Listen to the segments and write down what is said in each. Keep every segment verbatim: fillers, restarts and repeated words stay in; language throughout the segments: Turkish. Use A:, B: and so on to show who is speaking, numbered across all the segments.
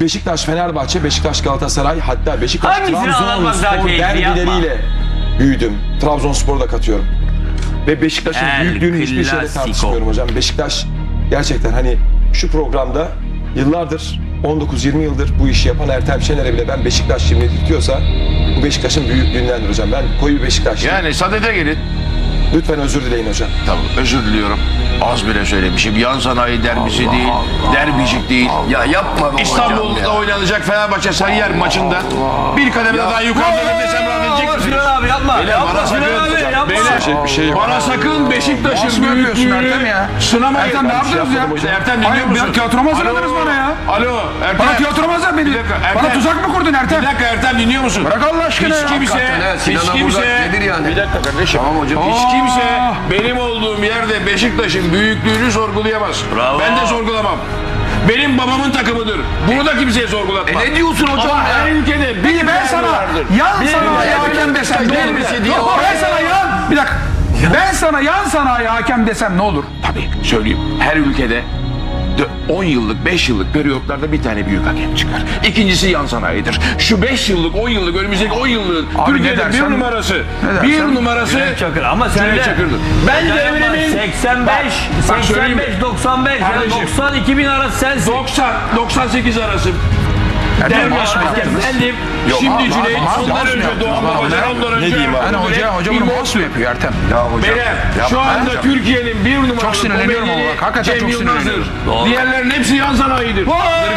A: Beşiktaş, Fenerbahçe, Beşiktaş, Galatasaray, hatta Beşiktaş,
B: Hangisini anlatmak daha
A: Trabzonspor
B: keyifli, yapma.
A: derbileriyle büyüdüm. Trabzonspor'u da katıyorum. Ve Beşiktaş'ın
B: El
A: büyüklüğünü hiçbir şeyle
B: Clasico.
A: tartışmıyorum hocam. Beşiktaş gerçekten hani şu programda yıllardır, on dokuz yirmi yıldır bu işi yapan Ertem Şener'e bile ben Beşiktaş şimdi tutuyorsa bu Beşiktaş'ın büyüklüğündendir hocam. Ben koyu bir Beşiktaşlıyım.
C: Yani sadede gelin.
A: Lütfen özür dileyin hocam.
C: Tamam, özür diliyorum. Az bile söylemişim. Yan sanayi derbisi değil, derbicik değil.
D: Ya yapma be hocam
C: İstanbul'da
D: ya.
C: oynanacak Fenerbahçe Sarıyer maçında bir kademe daha yukarıda desem rahat edecek misiniz?
B: Sinan abi yapma.
C: Beyler,
B: Yapma
C: bana
B: Sinan
C: sakın-
B: abi yapma.
C: Beyler,
A: Bir şey yok.
C: bana sakın Beşiktaş'ın
E: Nasıl yapıyorsun
C: büyüklüğünü
E: Ertem ya?
C: sınamayın.
E: Ertem ne
C: Ben bir şey
E: yaptınız ya?
C: yapmadım hocam. Ertem
E: Hayır,
C: dinliyor musun?
E: bir tiyatroma hazırladınız
C: Alo,
E: bana ya.
C: Alo Ertem.
E: Bana tiyatromaz beni.
C: Bir dakika, Ertem.
E: Bana tuzak mı kurdun Ertem?
C: Bir dakika Ertem dinliyor musun?
E: Bırak Allah aşkına
C: Hiç
E: ya.
C: kimse,
D: Hakikaten he,
C: hiç
D: Sinan'a
C: kimse,
D: Burak nedir yani?
C: bir dakika kardeşim.
D: Tamam hocam.
C: Hiç
E: Aa.
C: kimse benim olduğum yerde Beşiktaş'ın büyüklüğünü sorgulayamaz.
B: Bravo.
C: Ben de sorgulamam. Benim babamın takımıdır. Bunu da kimseye sorgulatmam.
D: E ne diyorsun hocam
C: Ama
D: ya?
C: her ülkede bir
E: Peki ben
C: derbi
E: sana
C: vardır.
E: yan
C: Bir
E: sanayi
C: derbi
E: hakem desem ne olur?
C: derbisi diye
E: Yok,
C: o-
E: ben sana yan... Bir dakika. Ben sana yan sanayi hakem desem ne olur?
C: Tabii söyleyeyim. Her ülkede on yıllık, beş yıllık periyotlarda bir tane büyük hakem çıkar. İkincisi yan sanayidir. Şu beş yıllık, on yıllık, önümüzdeki on yıllığın
E: Abi ne
C: Türkiye'de
E: dersen-
C: bir numarası,
E: ne
C: bir
E: dersen-
C: numarası
B: Cüneyt Çakır ama sen
C: Cüneyt
B: de
C: Çakır'dır. Ben devrimin
B: seksen beş,
C: bak söyleyeyim mi?
B: seksen beş, doksan beş, yani
C: Kardeşim.
B: doksan iki bin arası sensin.
C: doksan doksan sekiz arası.
E: Ertem
C: Derbi
E: maaş mı
C: hakem.
E: yaptınız?
B: Efendim,
C: Şimdi
E: ma-
C: Cüneyt,
E: ma-
C: ondan
E: maaş mı
C: önce
E: yaptınız?
C: Doğan
E: Ama
C: Babacan,
E: ne-
C: ondan
A: ne
C: önce...
A: diyeyim abi?
E: Hani hoca, hoca bunu
C: İlmaz-
E: boss mu yapıyor Ertem?
D: Ya hocam.
C: Beyler, şu
D: Yapma
C: anda
D: hocam.
C: Türkiye'nin bir numaralı
E: Çok sinirleniyorum
C: komedini
E: ama bak, hakikaten
C: Cem
E: çok
C: Yılmaz'dır.
E: sinirleniyorum.
B: Doğru.
C: Diğerlerin hepsi yan sanayidir.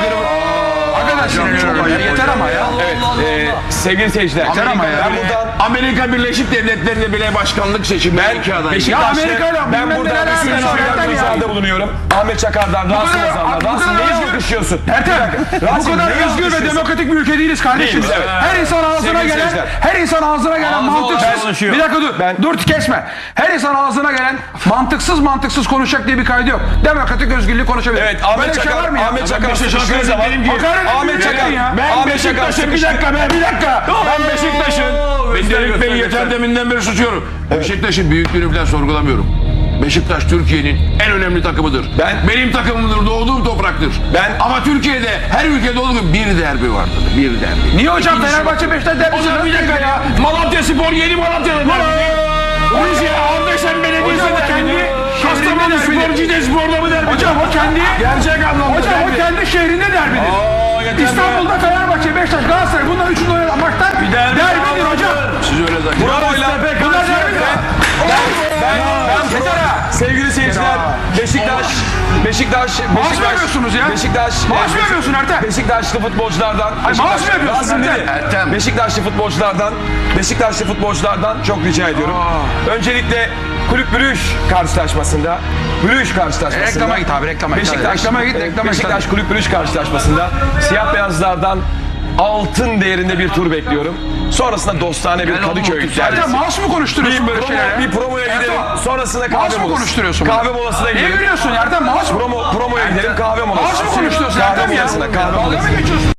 E: Hakikaten sinirleniyorum ya. Yeter ama ya.
A: Evet, e, sevgili seyirciler.
E: Yeter ama ya.
A: Ben buradan
C: Amerika Birleşik Devletleri'nde bile başkanlık seçimleri iki aday.
A: Beşiktaş'ta,
E: Amerika'yla
A: ben
E: bilmem
A: buradan
E: neler
A: bir
E: alakası var
A: sürü
E: Ertem ya.
A: müsaade bulunuyorum. Ahmet Çakar'dan, Rasim
E: kadar-
A: Ozan'dan.
E: bu
A: Rasim
E: kadar
A: neyi
E: özgür-
A: alkışlıyorsun?
E: Ertem, bu
A: Rasim,
E: kadar
A: neyi
E: özgür ve
A: alkışlıyorsun?
E: demokratik bir ülke değiliz kardeşim.
A: Değiliz, evet.
E: Her insan ağzına
A: Sevgili
E: gelen,
A: seyirciler.
E: her insan ağzına gelen
B: Ağzı
E: mantıksız.
B: konuşuyor.
E: Bir dakika dur,
A: Ben-
E: dur kesme. Her insan ağzına gelen mantıksız mantıksız konuşacak diye bir kaydı yok. Demokratik özgürlük konuşabilir.
A: Evet, Ahmet
E: Böyle bir şey
A: Çakar,
E: var mı ya?
A: Ahmet Çakar
C: Beşiktaş'a
A: sıkıştığı
C: hakaret
A: zaman,
C: ederim ki-
E: Hakaret
A: Ahmet
E: etmiyor
A: Çakar,
E: ya.
C: Ben
A: Ahmet Çakar
C: Beşiktaş'ın bir
A: sıkıştı.
C: dakika ben bir dakika. Ben Beşiktaş'ın
B: Oo,
C: ben
B: göster,
C: Delik
B: göster,
C: Bey'i yeter
B: göster.
C: deminden beri susuyorum. Beşiktaş'ın büyüklüğünü falan sorgulamıyorum. Beşiktaş Türkiye'nin en önemli takımıdır.
A: Ben-
C: Benim takımımdır, doğduğum topraktır.
A: Ben-
C: Ama Türkiye'de her ülkede olduğu gibi bir derbi vardır. Bir derbi.
E: Niye hocam
C: İkincisi-
E: Fenerbahçe Beşiktaş derbisi?
C: O zaman bir dakika ya. Malatya Spor yeni Malatya'da derbi. Rize Ardeşen Belediyesi
E: Hocam o
C: derbi.
E: kendi
C: Kastamonu
E: şehrinde
C: Spor
E: derbi.
C: Cide Spor'da mı derbi?
E: Hocam o kendi
C: Gerçek anlamda
E: Hocam o
C: derbi.
E: kendi şehrinde derbidir.
C: Aa, yeter be.
E: İstanbul'da Fenerbahçe, Beşiktaş, Galatasaray bunların üçünü oynayan maçlar
B: derbi
E: derbidir
B: vardır.
E: hocam.
C: Siz öyle zannediyorsunuz.
A: Bravo'yla
E: Bunlar derbidir.
A: ben, ben
E: Yeter ha.
A: sevgili seyirciler, Beşiktaş, Beşiktaş,
E: Maaş
A: Beşiktaş,
E: mı yapıyorsunuz ya?
A: Beşiktaş,
E: Maaş mı yapıyorsun Ertem?
A: Beşiktaşlı futbolculardan,
E: Ay,
A: Beşiktaş-
E: maaş mı yapıyorsun
A: Rasim
E: Ertem?
A: dedi.
D: Ertem.
A: Beşiktaşlı futbolculardan, Beşiktaşlı futbolculardan çok rica ediyorum. Öncelikle Kulüp Brüj karşılaşmasında, Brüj karşılaşmasında.
E: Reklama git abi, reklama git.
A: Beşiktaş,
E: Reklama git, reklama git.
A: Beşiktaş Kulüp Brüj karşılaşmasında siyah beyazlardan altın değerinde bir tur bekliyorum. Sonrasında dostane bir
D: Gel oğlum,
A: Kadıköy
D: otur.
A: derbisi.
E: Ertem maaş mı konuşturuyorsun
A: Bir,
E: böyle
A: promo,
E: şeylere?
A: bir promoya gidelim.
E: Ertem,
A: Sonrasında
E: maaş
A: kahve
E: mı
A: molası.
E: konuşturuyorsun?
A: Kahve molasına
E: Ne
A: gidelim.
E: gülüyorsun Ertem? Maaş mı?
A: Promo, promoya gidelim kahve molası.
E: Maaş mı konuşturuyorsun
A: Kahve
E: Ertem ya?
A: molasına, kahve
E: Dalga
A: molasına.
E: mı geçiyorsun?